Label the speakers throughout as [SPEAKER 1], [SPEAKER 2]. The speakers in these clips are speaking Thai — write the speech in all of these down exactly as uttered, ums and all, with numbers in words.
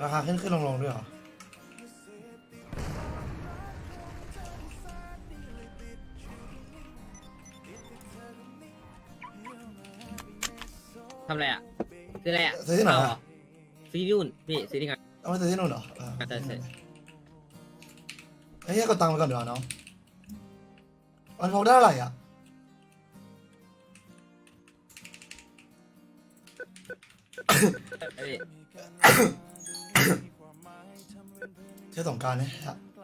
[SPEAKER 1] ราคาขึ้นขึ้นลงลงด้วยเหรอ
[SPEAKER 2] ทำอะไรอ่ะซื้ออะไรอ่ะ
[SPEAKER 1] ซื้อที่ไหน
[SPEAKER 2] เอา
[SPEAKER 1] อะ
[SPEAKER 2] เหรอซื้อที่นู่นพี่ซื้อที่งาน
[SPEAKER 1] เอาไปซื้อที่นู่นเหรอเออ
[SPEAKER 2] ใช่ใช่
[SPEAKER 1] ไอ้เหี้ยกดตังค์ไปก่อนเดี๋ยวาน้องมันพกได้เท่าไหร่อ่ะ
[SPEAKER 2] ไอ้พี่
[SPEAKER 1] เชื่อสงกรารเนี่ย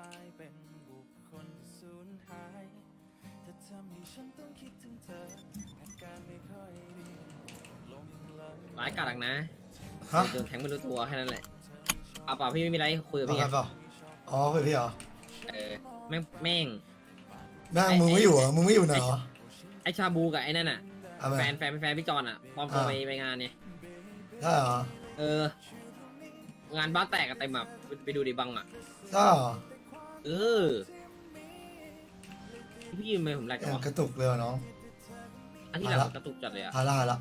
[SPEAKER 2] ร้ายกาจนะ
[SPEAKER 1] ฮะ
[SPEAKER 2] โดนแทงไม่รู้ตัวแค่นั้นแหละเอาเปล่าพี่ไม่มีอะไรคุยกับ
[SPEAKER 1] เอา
[SPEAKER 2] พี่
[SPEAKER 1] กันเปล่าอ๋อคือพี่เหรอ
[SPEAKER 2] เออแม่งแม่ง
[SPEAKER 1] แม่งมึงไม่อยู่เหรอมึงไม่อยู่ไหนเหรอ
[SPEAKER 2] ไอชาบูกับไอ้นั่นอ่ะ
[SPEAKER 1] เอาไป
[SPEAKER 2] แฟนแฟนแฟนพี่จอนอ่ะพร้อมตัวไปไปงานเนี่ย
[SPEAKER 1] ได้เหรอ
[SPEAKER 2] เออ งานบ้านแตกกันเต็มแบบไปดูดิบังอ่ะ
[SPEAKER 1] ได้เหรอ
[SPEAKER 2] เออพี่ยืมไปผมแรก
[SPEAKER 1] อ
[SPEAKER 2] กัน
[SPEAKER 1] ย่าง
[SPEAKER 2] วะ
[SPEAKER 1] กระตุกเลยว่ะน้อง
[SPEAKER 2] อันที่หลังกระตุกจัดเลยอ่ะ
[SPEAKER 1] ฮาร่าละ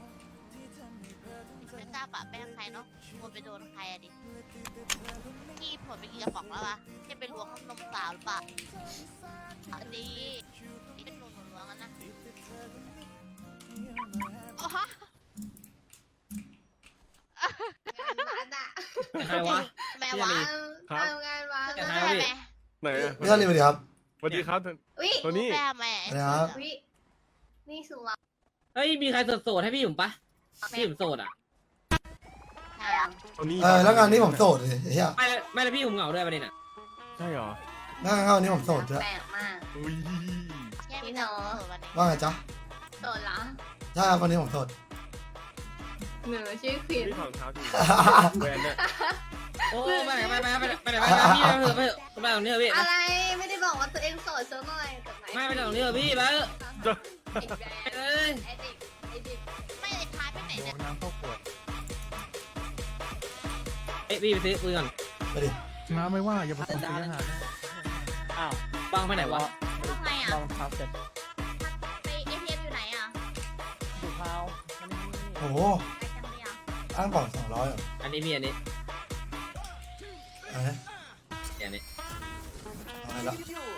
[SPEAKER 3] ไม่ทราบปะแป้งใครเนาะหมดไปโดนใครอะดิพี่ผลไปกี่กระป๋องแล้ววะที่ไปล้วงนมสาวหรือเปล่าอันนี้ที่เป็นหนูหนูล้วงกันนะอ๋อ
[SPEAKER 4] งานวัดอะ
[SPEAKER 2] ใครวะ
[SPEAKER 3] แม่วะ
[SPEAKER 4] ทำงานวัด
[SPEAKER 3] เธอ
[SPEAKER 2] ใคร
[SPEAKER 3] ได้
[SPEAKER 2] วะพี่
[SPEAKER 3] ไหม
[SPEAKER 5] ไหนอะ
[SPEAKER 1] ไม่ใช่เลยสวัสดีครับ
[SPEAKER 5] สวัสดีครับ
[SPEAKER 4] วิ
[SPEAKER 5] ตัวนี้
[SPEAKER 3] แม่แม่
[SPEAKER 1] นะครับ
[SPEAKER 4] วินี่สุรา
[SPEAKER 2] เฮ้ยมีใครโสดๆให้พี่ผมปะพี่ผมโสดอ่ะ
[SPEAKER 3] ใช่อะ
[SPEAKER 5] ตัวนี้
[SPEAKER 1] เออแล้วงานนี้ผมโสดเลยเฮีย
[SPEAKER 2] ไม่แล้วไม่แล้วพี่ผมเหงาด้วยประเด็นอ่ะ
[SPEAKER 5] ใช่เหรอ
[SPEAKER 1] งานงานนี้ผมโสดด้วย
[SPEAKER 4] แปลกมาก
[SPEAKER 5] อุ้ย
[SPEAKER 3] แย่ไม่เนาะวันนี้
[SPEAKER 1] ว่าไงจ๊ะ
[SPEAKER 4] โสดละ
[SPEAKER 1] ใช่ครับวันนี้ผมโสด
[SPEAKER 4] หนูชื่อควีน
[SPEAKER 5] พี่ถอดรองเท้าทีแหวนเนี่ย
[SPEAKER 2] โอ้ไปไหนไปไหนไปไหนไปไหนไปไหนพี่ไปเถอะไปเถอะไปตรงนี้เถอะพี่
[SPEAKER 4] อะไรไม่ได้บอกว่าตัวเองโสดซะหน่อยแต่ไหน
[SPEAKER 2] ไม่ไปตรงนี้เถอะพี่ไปเถอะ
[SPEAKER 4] ไอ้แบ
[SPEAKER 2] เอ้ย
[SPEAKER 4] ไอ้เด็กไอ้เด็ก
[SPEAKER 3] ไม่ได้ท้ายไปไหนเนี่ย
[SPEAKER 5] น้ำเข้าขวด
[SPEAKER 2] เอ้ยพี่ไปซื้อปืนก่อน
[SPEAKER 1] ไปดิ
[SPEAKER 6] น้าไม่ว่าอย่าไปทำร้านอาหาร
[SPEAKER 2] อ้าวบังไปไหนวะ
[SPEAKER 3] ทำไงอ่ะ
[SPEAKER 6] ลองทับเสร็จ
[SPEAKER 3] ไปเอทีเอ็มอยู่ไหนอ่ะ
[SPEAKER 6] ดูเท้า
[SPEAKER 1] โอ้โห
[SPEAKER 3] ไปจังเลยอ่ะ
[SPEAKER 1] อ้างกล่องสองร้อยเหรอ
[SPEAKER 2] อันนี้พี่อันนี้
[SPEAKER 1] เอาไง
[SPEAKER 2] อันนี้
[SPEAKER 1] เอาไงละ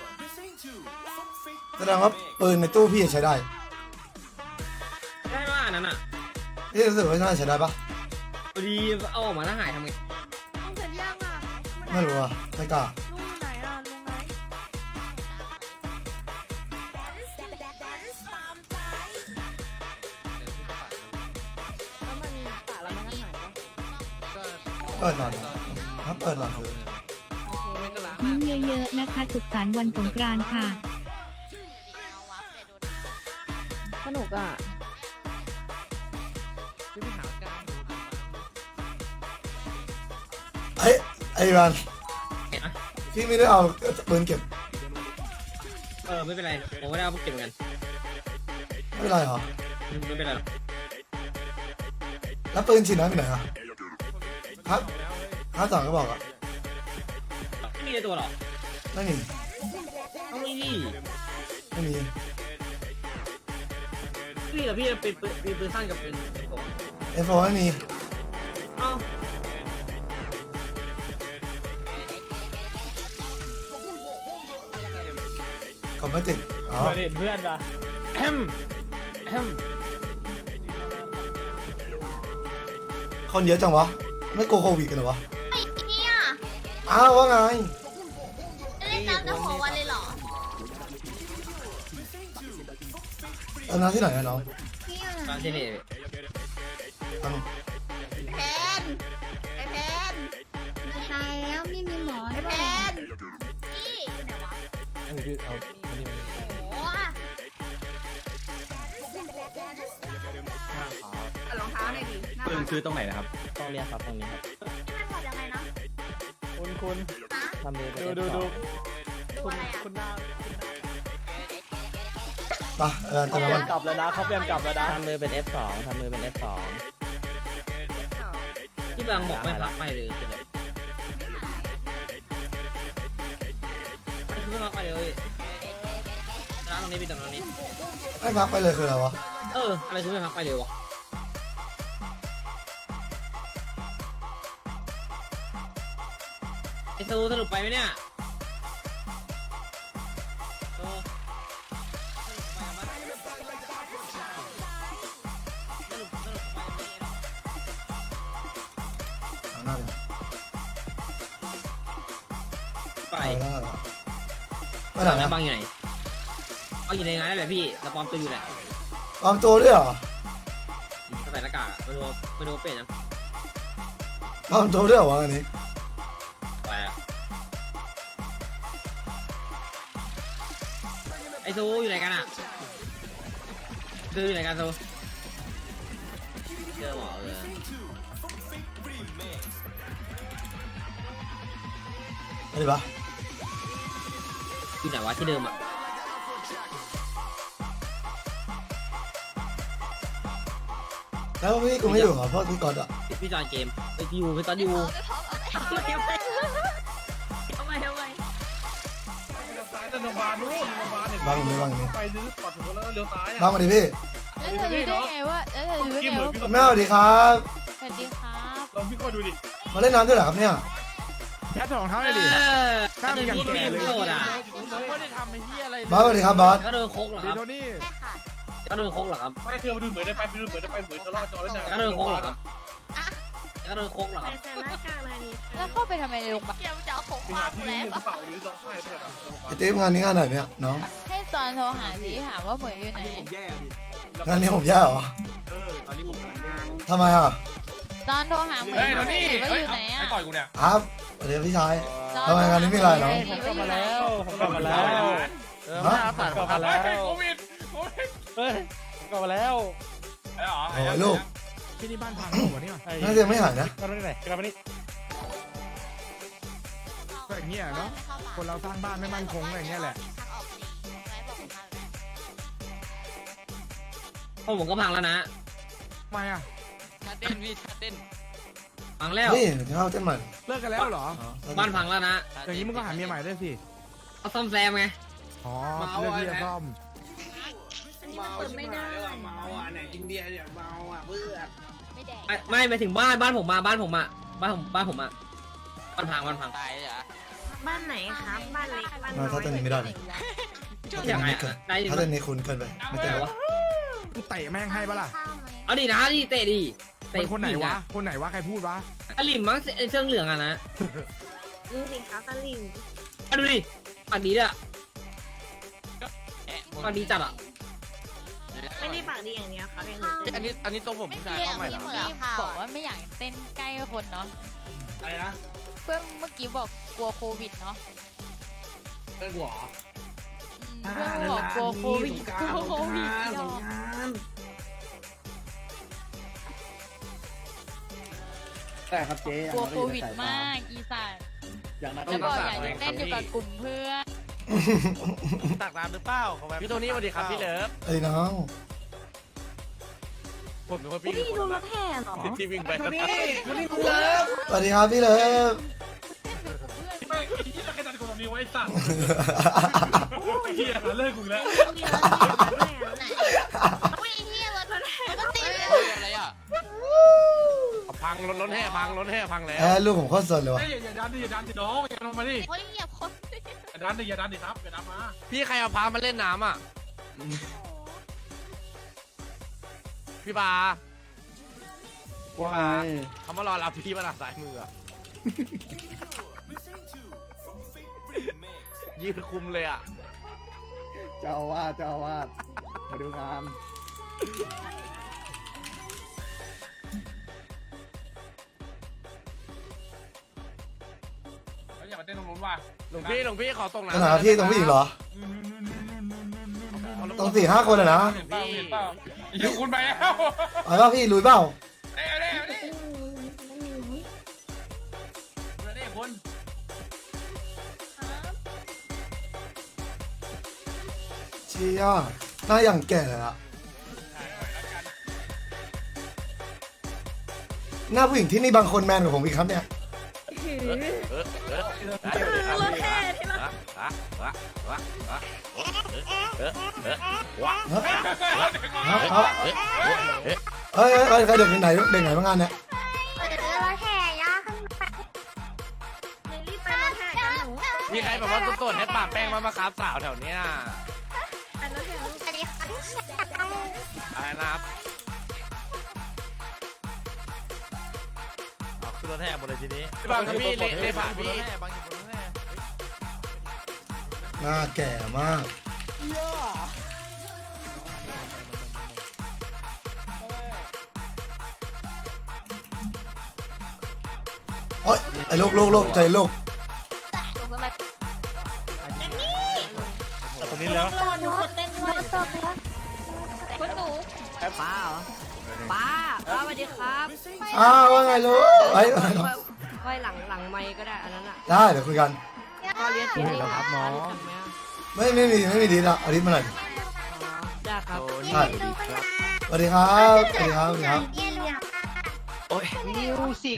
[SPEAKER 1] แสดงว่าปืนในตู้พี่ใช้ได้
[SPEAKER 2] ได้ว่าอันนั้นอ่ะ
[SPEAKER 1] พี่รู้สึกว่าน่าจะใช้ได้ปะ
[SPEAKER 2] พอดีเอาออกมาแล้วหายทำไง
[SPEAKER 7] ลุงเสร็จยังอ่ะ
[SPEAKER 1] ไม่รู้อ่ะไม่กล้า
[SPEAKER 7] ลุงอยู่ไหนอ่ะลุงไหนแล้วมันปะแล้วมันก็หายปะ
[SPEAKER 1] เปิดหน่อยถ้าเปิดหน่อยคือ
[SPEAKER 8] ยิ้มเยอะๆนะคะสุขสันต์วันสงกรานต์ค่ะ
[SPEAKER 7] สนุกอ่ะ
[SPEAKER 1] เอ้ยไอ้รันพี่ไม่ได้เอาปืนเก็บ
[SPEAKER 2] เออไม่เป็นไรผมไม่ได้เอาพวกเก็บเหมือนกัน
[SPEAKER 1] ไม่เป็นไรเหรอ
[SPEAKER 2] ไม่เป็นไรหรอก
[SPEAKER 1] แล้วปืนฉีดน้ำไปไหนอ่ะครับห้าสองก็บอกอ่ะ
[SPEAKER 2] ไม่มีในตัวหรอ
[SPEAKER 1] ไม่มี
[SPEAKER 2] ต้องมีดิ
[SPEAKER 1] ไม่มี
[SPEAKER 2] พี่กับพี่เป็นปืนมีปืนสั้นกับปืนเป็นกบ
[SPEAKER 1] เอฟโฟไม่มี
[SPEAKER 2] เอ้า
[SPEAKER 1] ก็ไม่ติดอ๋อ
[SPEAKER 6] เห็นเพื่อนปะแอมแอม
[SPEAKER 1] คนเยอะจังวะไม่กลัวโควิดกันเหรอวะ
[SPEAKER 3] ไอ้เนี่ย
[SPEAKER 1] อ้าวว่าไง
[SPEAKER 3] จะเล่นน้ำจะหัววันเลยเหรอ
[SPEAKER 1] เอาน้ำที่ไหนอะน้อง
[SPEAKER 4] พี่อะ
[SPEAKER 2] ตอนที่นี่
[SPEAKER 1] เอา
[SPEAKER 4] แพนไอ้แพน
[SPEAKER 8] ตายแล้วไม่มีหมอ
[SPEAKER 4] ไอ้
[SPEAKER 8] ด้
[SPEAKER 4] แพ
[SPEAKER 8] วย
[SPEAKER 4] น
[SPEAKER 3] พี่อยู่ไหนวะ
[SPEAKER 6] อันนี้คือเอาอันนี้
[SPEAKER 3] โอ้
[SPEAKER 4] เอารองเท้าหน่อยดิหน้า
[SPEAKER 5] ปืน
[SPEAKER 4] บ้าน
[SPEAKER 5] คือตรงไหนนะครับ
[SPEAKER 6] ต้องเรียกครับตรงนี้ครับ
[SPEAKER 3] ที่มันถอดยังไงนะ
[SPEAKER 6] คุณคุณ
[SPEAKER 3] ฮะ
[SPEAKER 6] ทำมือเป็น
[SPEAKER 5] ดูดูดู
[SPEAKER 3] ดูอะไรอ่ะ
[SPEAKER 6] คุณหน้า
[SPEAKER 1] ไปเออ
[SPEAKER 6] เขา
[SPEAKER 1] ตาม
[SPEAKER 6] เปลี่
[SPEAKER 1] มาย
[SPEAKER 6] นกลับแล้วนะเขาเปลี่ยนกลับแล้วนะทำมือเป็น เอฟ สอง ทำมือเป็น เอฟ สอง
[SPEAKER 2] ที่บางบอกไม่รับไปเลยคือแบบไม่รับไปเลยร้านตรงนี้พี่ตรงนี้
[SPEAKER 1] ให้พักไปเลยคืออะไรวะ
[SPEAKER 2] เอออะไรคือไม่พักไปเลยวะซูสรุปไปไหมเนี่ยโอ้สรุปสรุปไปไหม
[SPEAKER 1] เอาหน้าเลย
[SPEAKER 2] ไป
[SPEAKER 1] เอาหน้าเลยไป
[SPEAKER 2] ไป
[SPEAKER 1] ไหน
[SPEAKER 2] แล้ว
[SPEAKER 1] นะ
[SPEAKER 2] บังอยู่ไหนบังอยู่ในงานนั่นแหละพี่แล้วปลอมตัวอยู่แหละ
[SPEAKER 1] ปลอมตัวด้วยเหรอ
[SPEAKER 2] ใส่หน้ากากไม่รู้ไม่รู้เป็นยัง
[SPEAKER 1] ปลอมตัวด้วยเหรอวะอันนี้
[SPEAKER 2] ไปอะไอซูอยู่ไหนกันอ่ะซูอยู่ไหนกันซูเจอหมอเลย
[SPEAKER 1] ไปดิปะ
[SPEAKER 2] อยู่ไหนวะที่เดิมอ่ะ
[SPEAKER 1] แล้วพี่กูไม่อยู่เหรอเพราะพี่กอดอะ
[SPEAKER 2] พี่จอนเกมไปอยู่ไปตอนอยู่
[SPEAKER 3] เอาไม่พร้อมเอาไม่
[SPEAKER 4] ทำไมทำไม
[SPEAKER 5] ซ้ายแต่โรงพยาบาลนู้นโรงพยาบาลเนี่ย
[SPEAKER 1] บ้างนี้บ้างนี้
[SPEAKER 5] ไปซื้อปอดหัวแล้วเลี้ยวซ้าย
[SPEAKER 1] บ้า
[SPEAKER 5] อ่ะ
[SPEAKER 1] งมาดิพี่
[SPEAKER 7] แล้วเธอรู้ได้ไงว่าแล้วเธอรู้ได้ไงว่า
[SPEAKER 1] แม่สวัสดีครับ
[SPEAKER 7] สวัสดีครับ
[SPEAKER 5] ลองพี่ก็ดูดิ
[SPEAKER 1] มาเล่นน้ำด้วยเหรอครับเนี่ย
[SPEAKER 6] แค่ถองเท้า
[SPEAKER 2] เอ
[SPEAKER 6] เลยดิ
[SPEAKER 2] อ
[SPEAKER 6] ข้ามไปอย่างแก่เลย
[SPEAKER 2] โดดอ่ะ
[SPEAKER 6] ผมไม่ได้ทำไอ้เหี้ยอะไร
[SPEAKER 1] บอสสวัสดีครับบอส
[SPEAKER 2] ก็โดนโคกเหรอครับ
[SPEAKER 6] โทนี่
[SPEAKER 3] ใช่ค่ะ
[SPEAKER 2] ก็โดนโคกเหรอครับ
[SPEAKER 5] ไม่เธอมาดูเหมือนได้ไปไปดูเหมือนได้ไปเหมือนตลอดจอแล้วเนี่ย
[SPEAKER 2] ก็โดนโคกเหรอครับก็โดนโคกเหรอครับ
[SPEAKER 4] ใส่หน้ากากอะไรนี่
[SPEAKER 7] แล้วเข้าไปทำไมในโรงพยาบาล
[SPEAKER 3] เดี๋ยวจะเอาของ
[SPEAKER 5] ที่
[SPEAKER 3] วา
[SPEAKER 5] หาง ที่
[SPEAKER 3] แล้
[SPEAKER 5] นี่
[SPEAKER 3] ว
[SPEAKER 5] กระเป๋าหรือต้องใช่เพื่อน
[SPEAKER 1] ไอติ๊บงานนี้งานไหนเนี่ยน้อง
[SPEAKER 7] ให้ตอนโทรหาสิถามว่าเหมยอยู่ไหน
[SPEAKER 1] งานนี้ผมแย่เหรอ
[SPEAKER 5] เออตอนนี้ผมทำงาน
[SPEAKER 1] ทำไมอ่ะ
[SPEAKER 7] ตอนโทรหาเหมย
[SPEAKER 5] เฮ้ยโทนี่
[SPEAKER 7] ว่า
[SPEAKER 5] เฮ้
[SPEAKER 7] อย ยู่ไหน
[SPEAKER 5] ไอ้
[SPEAKER 7] อ่ะ
[SPEAKER 5] ต่อยกูเนี่ย
[SPEAKER 1] ครับสวัสดีพี่ชาย
[SPEAKER 7] ตอ
[SPEAKER 1] ทำไมงานนี้มีอะไรเหรอ
[SPEAKER 6] ผมกลับมาแล้วผมกลับมาแล้วเออมาผ่านกลับมาแล้ว
[SPEAKER 5] โควิดโควิด
[SPEAKER 6] เฮ้ยผมกลับมาแล้ว
[SPEAKER 5] ไอ้หรอ
[SPEAKER 1] โอ้ยลูก
[SPEAKER 6] ที่นี่บ้านพังหรือเปล่าเนี่ย
[SPEAKER 1] น่าจะยังไม่หายนะ
[SPEAKER 6] กลับมาที่ไหนกลับมานี่ก็อย่างเงี้ยเนาะคนเราสร้างบ้านไม่มั่นคงอะไรเงี้ยแหละ
[SPEAKER 2] พวกผมก็พังแล้วนะ
[SPEAKER 6] ทำไมอ่ะ
[SPEAKER 2] ชัดเต้นพี่ชัดเต้นพังแล้ว
[SPEAKER 1] นี่จะเข้าเต้นใหม่
[SPEAKER 6] เลิกกันแล้วเหรอ
[SPEAKER 2] บ้านพังแล้วนะ
[SPEAKER 6] อย่างนี้มึงก็หาเมียใหม่ได้สิ
[SPEAKER 2] เอาซ่อมแซมไง
[SPEAKER 6] อ๋อเลือกที่จะซ่อม
[SPEAKER 4] อันนี้มันเปิดไม่ได้
[SPEAKER 2] เมาอ่ะไหนอินเดียเนี่ยเมาอ่ะเบื่อ
[SPEAKER 7] ไม่แดง
[SPEAKER 2] ไม่ไม่ไปถึงบ้านบ้านผมมาบ้านผมอ่ะบ้านผมบ้านผมอ่ะบ้านพังบ้านพัง
[SPEAKER 4] บ้านไหนครับบ้านเล็กบ้านน้
[SPEAKER 1] มา
[SPEAKER 4] อย
[SPEAKER 1] ถ้าเต้นนี้ไม่ได้เลย
[SPEAKER 2] ยังไงได้
[SPEAKER 1] ถ้าเต้นนี้คุณเกินไปไม่เต้น
[SPEAKER 2] วะ
[SPEAKER 6] กูเตะแม่งให้ปะล่ะ
[SPEAKER 2] เอาดินะดิเตะดิ
[SPEAKER 6] เป็นคนไหนวะคนไหนวะใครพูดวะ
[SPEAKER 2] อลิมมั้งไอ้เสื้อเหลืองอ่ะนะ
[SPEAKER 4] นี่สิครับตะลิง
[SPEAKER 2] มาดูดิปากดีด้วยปากดีจัดอ่ะ
[SPEAKER 4] ไม่ได้ปากดีอย่างเดียวครับอย่างอื่น
[SPEAKER 3] อันนี้อันนี้ตัวผมไม่ใช่เข้าใหม่หรอ
[SPEAKER 7] บอกว่าไม่อยากเต้นใกล้คนเนาะ
[SPEAKER 2] อะไรนะ
[SPEAKER 7] เพื่อนเมื่อกี้บอกกลัวโควิดเนาะ
[SPEAKER 2] เป็นหัว
[SPEAKER 7] อืมเพื่อนบอกกลัวโควิดกลัวโควิดอีดอก
[SPEAKER 6] แต่ครับเจ๊
[SPEAKER 7] กลัวโควิดมากอีสาน
[SPEAKER 6] อย่างนั้น
[SPEAKER 7] แล้วก็อยากจะเต้นอยู่กับกลุ่มเพื่อน
[SPEAKER 6] ตักน้ำหรือเปล่าพี่โทนี่สวัสดีครับพี่เลิฟ
[SPEAKER 1] ไอ้น้อง
[SPEAKER 6] ผมเป็นคน
[SPEAKER 4] พี่
[SPEAKER 6] พี่
[SPEAKER 4] ดูรถแห่เหรอ
[SPEAKER 6] ที่วิ่งไป
[SPEAKER 2] นี่นี่กูเลิฟ
[SPEAKER 1] สวัสดีครับพี่เลิฟ
[SPEAKER 5] ไม่ไอ้ที่ตะกันคนนี้ไว้สั่งไอ้เหี้ยเลิกกูแล้ว
[SPEAKER 4] มีรถแห่มาด้วยอ่ะ
[SPEAKER 3] อุ้ยเฮียรถรถรถติดเลย
[SPEAKER 2] อะไรอ่ะ
[SPEAKER 6] พังรถรถแห่พังรถแห่พังแล้ว
[SPEAKER 1] แอร์ลูกผมโคตรสนเลยวะ
[SPEAKER 5] เฮ้ยอย่าดันดิอย่าดันดิน้องอย่าลงมาดิ
[SPEAKER 3] โอ้ยเหยียบคน
[SPEAKER 5] อย่าดันดิอย่าดันดิครับอย่าดันมา
[SPEAKER 6] พี่ใครเอาพามาเล่นน้ำอ่ะพี่บาว่าเขามารอรับพี่มาหลังสายมืออ่ะยืนคุมเลยอ่ะ
[SPEAKER 9] เจ้าอาวาสเจ้าอาวาสมาดูงาน
[SPEAKER 5] แล้วอย่ามาเต้นตรงนู้นว่ะ
[SPEAKER 6] หลวงพี่หลวงพี่ขอตรง
[SPEAKER 1] ข
[SPEAKER 6] น้ำ
[SPEAKER 1] นาดที่ตรงผู้หญิงเหรอตรงสี่ห้าคนอะนะ
[SPEAKER 5] เห็นเปล่าเห็นเปล่าอย่าคุณไปแล้ว
[SPEAKER 1] เอาว่าพี่ลุยเปล่า
[SPEAKER 5] เร็วเร็วเร็วเร็วคุณ
[SPEAKER 1] เชี่ยหน้าอย่างแก่อะหน้าผู้หญิงที่นี่บางคนแมนกว่าผมอีกครับเนี่ย
[SPEAKER 4] รถแห่ที่เรา
[SPEAKER 1] ครับครับเฮ้ยเฮ้ยเฮ้ยใครเด็กไหนเด็กไหนมางานเนี่ย
[SPEAKER 4] รถแห่ย่าขึ้นไปรีบไปรถ
[SPEAKER 6] มีใครแบบว่าสดๆให้ปากแป้งมามาครับสาวแถวเนี้ย
[SPEAKER 4] อันนั้นแหละ
[SPEAKER 3] สวัสดีค่ะ
[SPEAKER 6] อะไรนะครับเอาขึ้นรถแห่หมดเลยทีนี้บางพี่เละเละผ่านพี่บางอยู่บนรถแห่
[SPEAKER 1] หน้าแก่มากโอ๊ยไอ้ลูกลูกลูกใจลูก
[SPEAKER 6] ตรงนี้แล้ว
[SPEAKER 4] รอหนูกดเต้นด้วย
[SPEAKER 7] คุณหนู
[SPEAKER 2] ป้าเหรอป้าป้าสวัสดีครับ
[SPEAKER 1] อ้าวว่าไงลูกไอ้ย
[SPEAKER 2] ไว้หลังหลังไมค์ก็ได้อันนั้นอ่ะ
[SPEAKER 1] ได้เดี๋ยวคุยกัน
[SPEAKER 2] ก็เรียนที่นี่ครับน้อง
[SPEAKER 1] ไม่ไม่มีไม่มีดีละเอาดิมาหน่อย
[SPEAKER 2] ได้ครับ
[SPEAKER 1] ใช่สวัสดีครับสวัสดีครับสวัสดีครับ
[SPEAKER 6] โอ้ย
[SPEAKER 3] มิวสิก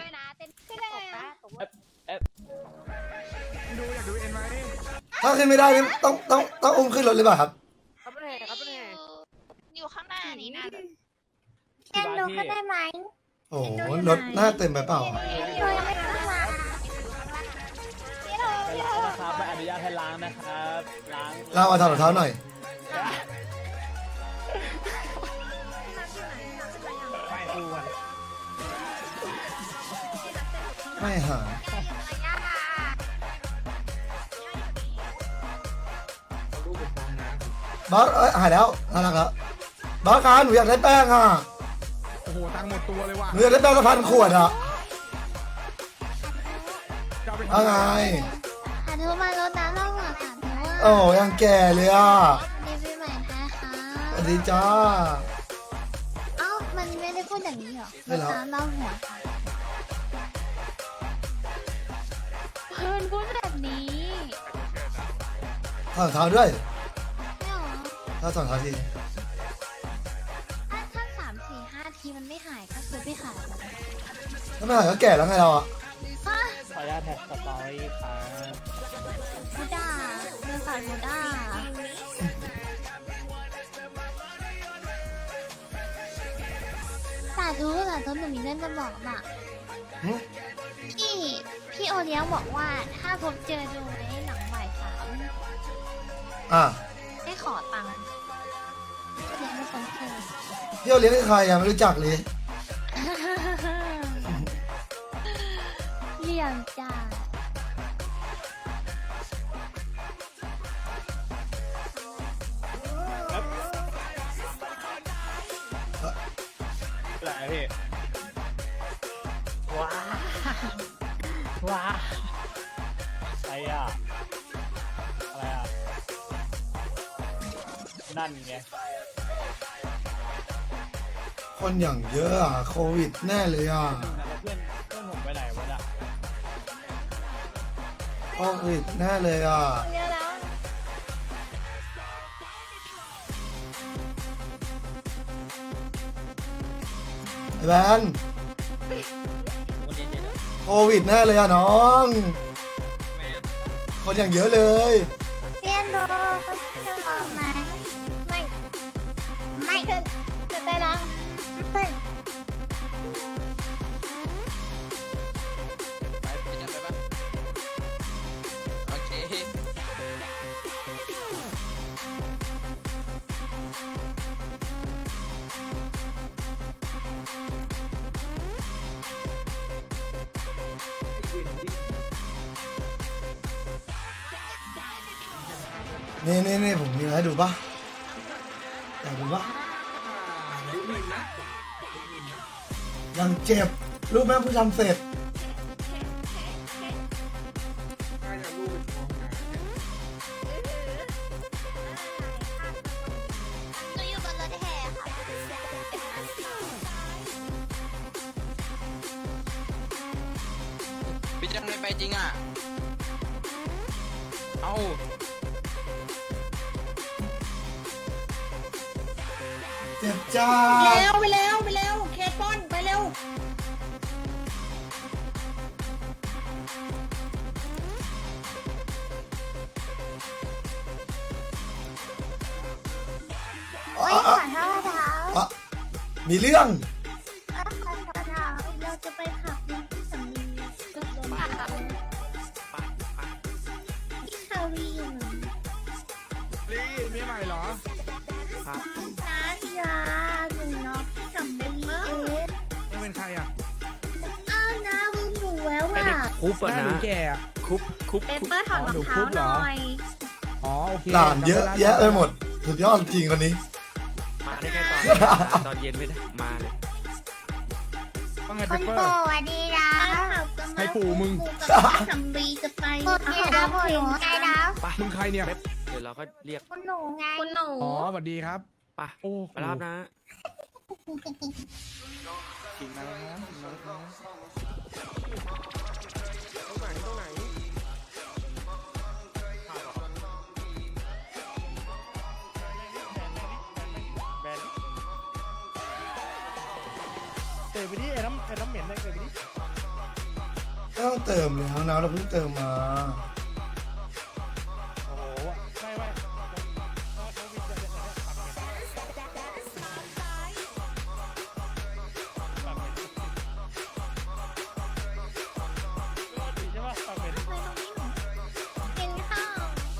[SPEAKER 1] ถ้าขึ้นไม่ได้นี่ต้องต้องต้องอุ้มขึ้นรถหรือเปล่าครับ
[SPEAKER 2] ครับเป็นไงครับเป็นไง
[SPEAKER 3] อยู่ข้างหน้านี้นะ
[SPEAKER 6] เล่นดูก็ได้ไหม
[SPEAKER 1] โอ้โหรถหน้าเต็มไปเปล่า
[SPEAKER 6] นะครับไม่อนุญาตให้ล้างนะครับล้าง
[SPEAKER 1] เราเอาถอดรองเท้าหน่อยไม่หาบอสเอ้ยหายแล้วน่ารักแล้วบอสคะหนูอยากได้แป้งอ่ะ
[SPEAKER 5] โอ้โหตังค์หมดตัวเลยว่ะ
[SPEAKER 1] หนูอยากได้แป้งละพันขวดอ่ะ
[SPEAKER 5] จะเอาไป
[SPEAKER 1] ว่า
[SPEAKER 5] ทำ
[SPEAKER 1] ไง
[SPEAKER 3] หาเธอมารถน้ำเราหรอค่ะเธอ
[SPEAKER 1] โอ้ยังแก่เลยอ่ะ
[SPEAKER 3] ดีปีใหม่ไทยค่ะ
[SPEAKER 1] สวัสดีจ้า
[SPEAKER 3] เอ้ามันไม่ได้พูดอย่างนี้หรอ
[SPEAKER 1] ไม่หรอ
[SPEAKER 3] น้ำเราหัวค่ะเพื่อนพูดแบบนี้
[SPEAKER 1] ถอดรองเท้าด้วย
[SPEAKER 3] ไม่หรอ
[SPEAKER 1] ถ้าถอดรองเท้าที
[SPEAKER 3] ถ้าถ้าสามสี่ห้าทีมันไม่หายก็คือไม่หายแล้ว
[SPEAKER 1] ถ้าไม่หายก็แก่แล้วไงเราอ่ะ
[SPEAKER 3] ฮะ
[SPEAKER 6] ขออนุญาตแท็กสตอรี่ครับ
[SPEAKER 3] บูด้าเดินสายบูด้าสาธุสาธุหนูมีเรื่องจะบอกน่ะ
[SPEAKER 1] หึ
[SPEAKER 3] พี่พี่โอเลี้ยงบอกว่าถ้าพบเจอดูในหนังบ่ายสาม
[SPEAKER 1] อ่ะ
[SPEAKER 3] ให้ขอตังค์เลี้ยงไม่คนเคย
[SPEAKER 1] พี่เอาเลี้ยงให้ใครอ่ะไม่รู้จักเลย
[SPEAKER 3] เลี้ยงจ้า
[SPEAKER 6] อะไรพี่ว้าว้าอะไรอ่ะอะไรอ่ะนั่นไง
[SPEAKER 1] คนอย่างเยอะอ่ะโควิดแน่เลยอ่ะ
[SPEAKER 6] แล้วเพื่อนเพื่อนผมไปไหนวะน่ะ
[SPEAKER 1] โควิดแน่เลยอ่ะ
[SPEAKER 3] เลี้ยงแล้ว
[SPEAKER 1] ไอ้แบนโควิดแน่เลยอ่ะน้อง คนอย่างเยอะเลย
[SPEAKER 3] เลี้ยงดูจะบอกไหมไม่ไม่เธอเธอได้แล้วไม่
[SPEAKER 1] นี่นี่นี่ผมมีอะไรให้ดูปะอยากดูปะยังเจ็บรู้ไหมเพิ่งทำเสร็จ
[SPEAKER 3] หนูอยู่บนรถแห่ค่ะ
[SPEAKER 2] พี่จังไม่ไปจริงอ่ะเอา
[SPEAKER 1] เจ็บจ้า
[SPEAKER 4] เร็วไปเร็วไปเร็วเคสป้อนไปเร็ว
[SPEAKER 3] โอ๊ยขอโทษเท้า
[SPEAKER 1] อ่ะมีเรื่อง
[SPEAKER 3] ขอโทษเท้าเราจะไปผับที่สำลีจุดลมพ
[SPEAKER 4] วีอยู่
[SPEAKER 5] ลีเมียใหม่เหรอ
[SPEAKER 6] ครับ
[SPEAKER 4] นะยาหนูน้องพี่กับบีเอ๊ะ
[SPEAKER 5] ไม่เป็นใครอ่ะ
[SPEAKER 4] อ้าวนะลืมหนูแล้วว่ะ
[SPEAKER 6] คุป
[SPEAKER 5] หน้าหนูแก่อะ
[SPEAKER 6] คุปคุป
[SPEAKER 4] เปเปอร์ถอดรองเท้าหน่อย
[SPEAKER 5] อ๋อโอเค
[SPEAKER 1] หลานเยอะแยะไปหมดสุดยอดจริงคนนี้
[SPEAKER 6] มาได้แค่ตอนตอนเย็นไม่ได้มาเลย
[SPEAKER 5] ว่าไง
[SPEAKER 4] ค
[SPEAKER 5] เป
[SPEAKER 4] น
[SPEAKER 5] เปอ
[SPEAKER 4] โปร
[SPEAKER 5] ร์
[SPEAKER 4] ดดีนะ
[SPEAKER 5] ให้ปู่มึง
[SPEAKER 4] กับพี่กับบีจะไปโอเคนะหนูไงนะ
[SPEAKER 6] ไป
[SPEAKER 5] มึงใครเนี่ย
[SPEAKER 6] เดี๋ยวเราก็เรียก
[SPEAKER 4] คุณหนูไงคุณหนู
[SPEAKER 5] อ๋อสวัสดีครับ
[SPEAKER 6] ไป
[SPEAKER 5] โอ้
[SPEAKER 6] ไปรับนะ
[SPEAKER 5] ถึงแล้วนะถึงแล้วนะ
[SPEAKER 6] แบน
[SPEAKER 5] เตะไปดิไอ้น้ำไอ้น้ำเหม็นเลยเตะไปดิ
[SPEAKER 1] ไม่ต้องเติมเลยน้องๆเราเพิ่งเติมมา
[SPEAKER 5] โอ้โหไม่ไม่
[SPEAKER 4] กินข้าว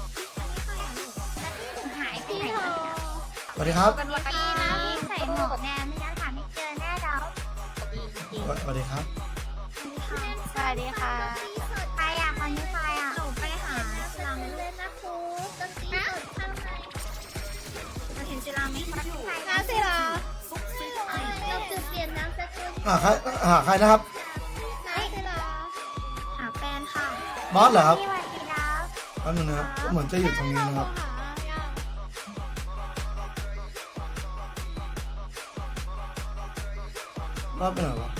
[SPEAKER 4] หายไปไหน
[SPEAKER 1] สวัสดีครับ
[SPEAKER 4] เป็นวันนี้นะพี่ใส่หมวกแนมไม่งั้นหาไม่เจอแน่เรา
[SPEAKER 1] สวัสดีครับ
[SPEAKER 4] สวัสดีค่ะใครอ่ะคนนี้ใครอ่ะหนูไปหาจิรามิเล่นนะครูจะตีเปิดข้างในเราเห็นจิรามิน้ำสิราเราจะเปลี่ยนน้ำสกุล
[SPEAKER 1] หาใครหาใครนะครับ
[SPEAKER 4] น้ำสิราหาแฟนค่ะ
[SPEAKER 1] บอสเหรอครับ
[SPEAKER 4] พี่วันดีนะ
[SPEAKER 1] แป๊บนึงนะครับเหมือนจะอยู่ตรงนี้นะครับบอสไปไหนวะ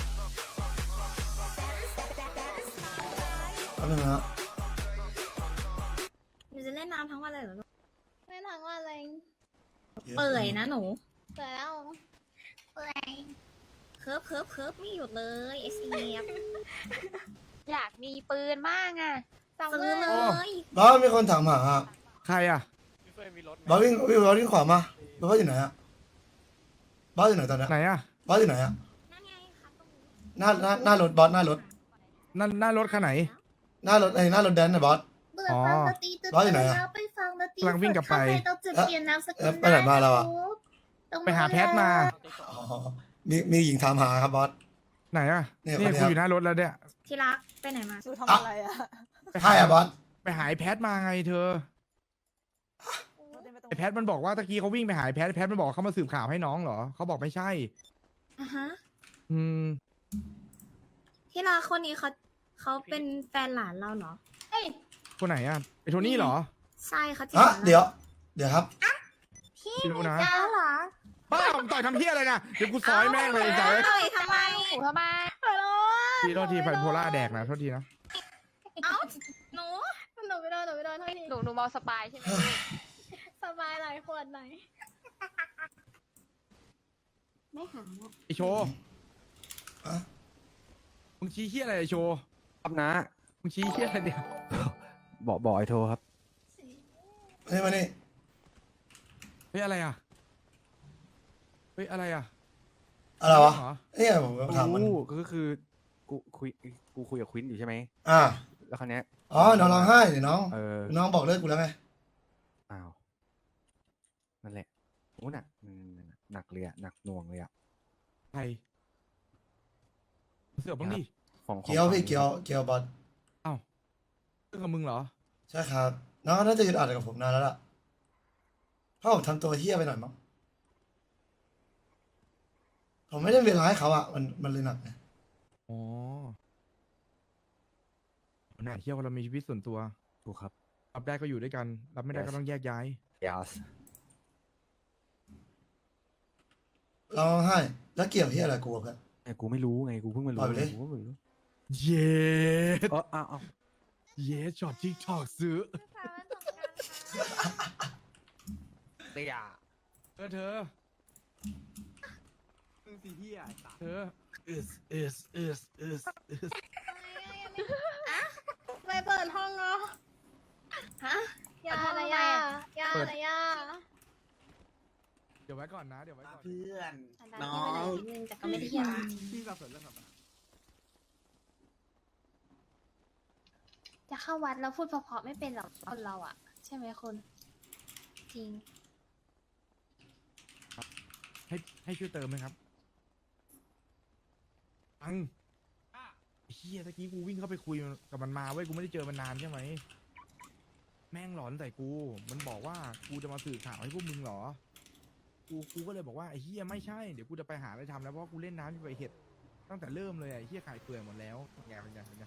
[SPEAKER 1] แป๊บนึงนะ
[SPEAKER 4] หนูจะเล่นน้ำทั้งวันเลยเหรอเล่นทั้งวันเลยเปื่อยนะหนูเปื่อยแล้วเปื่อยเคิร์ฟเคิร์ฟเคิร์ฟไม่หยุดเลยไอซีเอฟ
[SPEAKER 7] อยากมีปืนมากอ่ะ
[SPEAKER 4] ซื้อเลย
[SPEAKER 1] บอสมีคนถามหาอะ
[SPEAKER 5] ใครอ่ะ
[SPEAKER 6] พี่เฟยมีรถไหม
[SPEAKER 1] บอสวิ่งวิ่งบอสวิ่งขวามาบอสอยู่ไหนอะบอสอยู่ไหนตอนเนี้ย
[SPEAKER 5] ไหนอ่ะ
[SPEAKER 1] บอสอยู่ไหนอะ
[SPEAKER 4] นั่นไงครับตรงนี้
[SPEAKER 1] หน้าหน้าหน้ารถบอสหน้ารถ
[SPEAKER 5] นั่นหน้ารถคันไหน
[SPEAKER 1] หน้ารถไอ้หน้ารถแดนนะบอส
[SPEAKER 4] เบื่อฟังดนตรีตื่น
[SPEAKER 1] ร้อยอยู่ไหนอะ
[SPEAKER 4] แล้วไปฟังดนตรี
[SPEAKER 5] กำลังวิ่งกลับไป
[SPEAKER 4] ข้าเราจะเปลี่ยนนามสกุ
[SPEAKER 1] เอ๊ะ
[SPEAKER 4] ล
[SPEAKER 1] ไปไหนมาเราอะ
[SPEAKER 4] ตรง
[SPEAKER 5] ไปหาแพทมา
[SPEAKER 1] อ๋อมีมีหญิงถามหาครับบอส
[SPEAKER 5] ไหนอ่ะ
[SPEAKER 1] เนี่ย
[SPEAKER 5] นี่
[SPEAKER 1] คนเนี้ย
[SPEAKER 5] กูอยู่หน้ารถแล้วเนี่ย
[SPEAKER 4] ที่รักไปไหนมา
[SPEAKER 1] ทำอะไรอะใช่อะบอส
[SPEAKER 5] ไปหายแพทมาไงเธอไอแพทมันบอกว่าตะกี้เขาวิ่งไปหายแพทแพทมันบอกเขามาสืบข่าวให้น้องเหรอเขาบอกไม่ใช่
[SPEAKER 4] อ่ะฮะ
[SPEAKER 5] อืม
[SPEAKER 4] ที่รักคนนี้เขาเขาเป็นแฟนหลานเราเหรอ
[SPEAKER 5] คนไหนอ่ะไอโทนี่เหรอ
[SPEAKER 4] ใช่เขาจีบ
[SPEAKER 1] อ่ะ
[SPEAKER 4] รา
[SPEAKER 1] เดี๋ยว เดี๋ยวครับ
[SPEAKER 4] พี่
[SPEAKER 5] ไม่รู้นะ
[SPEAKER 4] เจ้าเหรอ
[SPEAKER 5] ป้าผมต่อยทำเพี้ยอะไรนะเดี๋ยวกูซอยแม่งเลยไอ้สาย
[SPEAKER 4] เอ้ยทำไม
[SPEAKER 7] ทำไม
[SPEAKER 5] ทีโทษทีไฟโพล่าแดกนะโทษทีนะ
[SPEAKER 4] เอ้าหนูหนูไม่โดนหนูไม่โดนเท่านี้
[SPEAKER 7] หนูหนูเมาสปายใช่ไหม
[SPEAKER 4] สบายหลายขวดไหนไม่หา
[SPEAKER 5] ไอโชว์
[SPEAKER 1] อะ
[SPEAKER 5] มึงชี้เฮี้ยอะไรไอโชว์
[SPEAKER 6] ครับนะ
[SPEAKER 5] มึงชี้เฮี้ยอะไรเนี่ย
[SPEAKER 6] บอกบอกไอ้โทรครับ
[SPEAKER 1] เฮ้ยมานี่
[SPEAKER 5] เฮ้ยอะไรอ่ะเฮ้ยอะไรอ่ะ
[SPEAKER 1] อะไรวะ
[SPEAKER 5] เหรอ
[SPEAKER 1] เนี่ยผมถามมัน
[SPEAKER 6] กูก็คือกูคุยกูคุยกับควินอยู่ใช่ไหม
[SPEAKER 1] อ่า
[SPEAKER 6] แล้วคราวเนี้ย
[SPEAKER 1] อ๋อน้องร้องไห้เดี๋ยวน้อง
[SPEAKER 6] เออ
[SPEAKER 1] น้องบอกเลิกกูแล้วไง
[SPEAKER 6] อ้าวนั่นแหละโอ้หนักอืมหนักเลยอะหนักหน่วงเลยอะ
[SPEAKER 5] ใครเสือกบ้างดิ
[SPEAKER 6] ของของ
[SPEAKER 1] เกียวพี่
[SPEAKER 6] ฝั่งนี้
[SPEAKER 1] เกียวเกียวบอส
[SPEAKER 5] เอ้าเรื่องกับมึงเหรอ
[SPEAKER 1] ใช่ครับ น้องน่าจะยึดอัดกับผมนานแล้วล่ะเพราะผมทำตัวเฮี้ยไปหน่อยมั้งผมไม่ได้เวลาให้เขาอะมันมันเลยหนักไง
[SPEAKER 5] อ๋อหนาเที่ยวเรามีชีวิตส่วนตัว
[SPEAKER 6] ถูกครับ
[SPEAKER 5] รับได้ก็อยู่ด้วยกัน รับไม่ได้ก็ต้องแยกย้าย
[SPEAKER 6] yes
[SPEAKER 1] ร้องไห้แล้วเกี่ยวเฮี้ยอะไรกูอะเพื่อน
[SPEAKER 6] แต่กูไม่รู้ไงกูเพิ่งมารู้
[SPEAKER 1] ปล่อยไปดิ
[SPEAKER 6] กูก็ไม่รู้
[SPEAKER 5] เย็ด
[SPEAKER 6] เอออ้าวอ้าว
[SPEAKER 5] เย็ดช็อตทิกทอกซื้อ
[SPEAKER 6] เตีย
[SPEAKER 5] เธอเธอ
[SPEAKER 6] มึงสีเฮีย
[SPEAKER 5] เธอ is is is is is
[SPEAKER 4] ไปเปิดห้องเนาะฮะยาอะไรยายาอะไรยา
[SPEAKER 5] เดี๋ยวไว้ก่อนนะ เดี๋ยวไว้ก่อน
[SPEAKER 9] เพื่อน
[SPEAKER 4] น้องนึงแต่ก็ไม่ได้ยา
[SPEAKER 5] พี่สับสนเรื่องแบบ
[SPEAKER 4] จะเข้าวัดแล้วพูดเพราะๆไม่เป็นหรอกคนเราอ่ะ ใช่ไหมคุณจริง
[SPEAKER 10] ให้ให้ช่วยเติมไหมครับอังไอ้เฮียตะกี้กูวิ่งเข้าไปคุยกับมันมาเว้ยกูไม่ได้เจอมันนานใช่ไหมแม่งหลอนใส่กู มันบอกว่ากูจะมาสื่อข่าวให้พวกมึงเหรอ กูกูก็เลยบอกว่าไอ้เฮียไม่ใช่เดี๋ยวกูจะไปหาอะไรทำแล้วเพราะกูเล่นน้ำอยู่ไปเห็ดตั้งแต่เริ่มเลยไอ้เฮียขายเปลือยหมดแล้วแกเป็นไงเป็นไง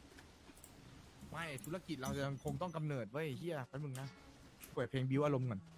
[SPEAKER 10] ไม่ธุรกิจเรายังคงต้องกำเนิดเว้ยเฮียแป๊บนึงนะเปิดเพลงบิวอารมณ์ก่อน